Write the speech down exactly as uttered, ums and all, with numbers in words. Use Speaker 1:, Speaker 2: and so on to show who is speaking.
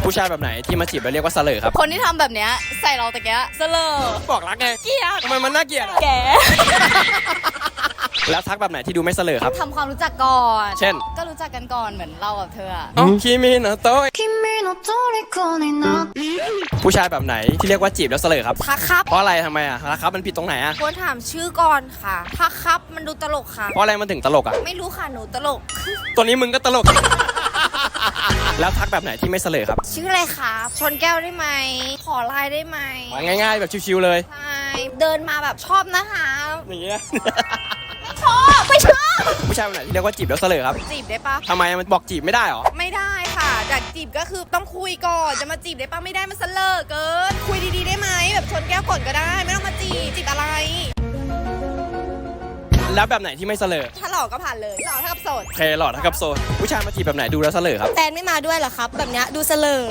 Speaker 1: ผู้ชายแบบไหนที่มาจีบแล้วเรียกว่าเสลอครับ
Speaker 2: คนที่ทำแบบเนี้ยใส่เราตะเกียเสลอ
Speaker 1: บอกรักไง
Speaker 2: เกลียด
Speaker 1: ทำไมมันน่าเกลียด
Speaker 2: แก
Speaker 1: แล้วทักแบบไหนที่ดูไม่เสลอครับ
Speaker 2: ทำความรู้จักก่อน
Speaker 1: เช่น
Speaker 2: ก็รู้จักกันก่อนเหมือนเรากับเธออะ
Speaker 1: อ๋อคิมิโนะโตะ
Speaker 3: 君の虜になって
Speaker 1: ผู้ชายแบบไหนที่เรียกว่าจีบแล้วเสลอครับ
Speaker 2: ทักครับ
Speaker 1: เพราะอะไรทำไมอ่ะทักครับมันผิดตรงไหนอ่ะ
Speaker 2: ควรถามชื่อก่อนค่ะทักครับมันดูตลกค่ะ
Speaker 1: เพราะอะไรมันถึงตลกอ่ะ
Speaker 2: ไม่รู้ค่ะหนูตลก
Speaker 1: ตัวนี้มึงก็ตลก แล้วทักแบบไหนที่ไม่เสลอครับ
Speaker 2: ชื่ออะไรครับชนแก้วได้ไหมขอไลน์ได้ไหม
Speaker 1: ง่ายๆแบบชิวๆเลย
Speaker 2: ใช่เดินมาแบบชอบนะคะ
Speaker 1: อย่างเงี้ย
Speaker 2: ชอบไม่ชอบ
Speaker 1: ผู้ชายแบบไหนที่เรียกว่าจีบแล้วเสลอครับ
Speaker 2: จีบได้ปะ
Speaker 1: ทำไมมันบอกจีบไม่ได้หรอ
Speaker 2: ไม่ได้ค่ะจากจีบก็คือต้องคุยก่อนจะมาจีบได้ปะไม่ได้มันเสลอเกิน คุยดีๆได้ไหมแบบชนแก้วก่อนก็ได้ ไม่ต้องมาจีบจีบอะไร
Speaker 1: แล้วแบบไหนที่ไม่เสลอ
Speaker 2: ถ้าหล่อก็ผ่านเลยหล่อเท่ากับโสด
Speaker 1: โอเคหลอดทักกับโซนผู้ชายมาจีบแบบไหนดูแล้วเสลอครับ
Speaker 2: แฟนไม่มาด้วยเหรอครับ แบบเนี้ยดูเสลอ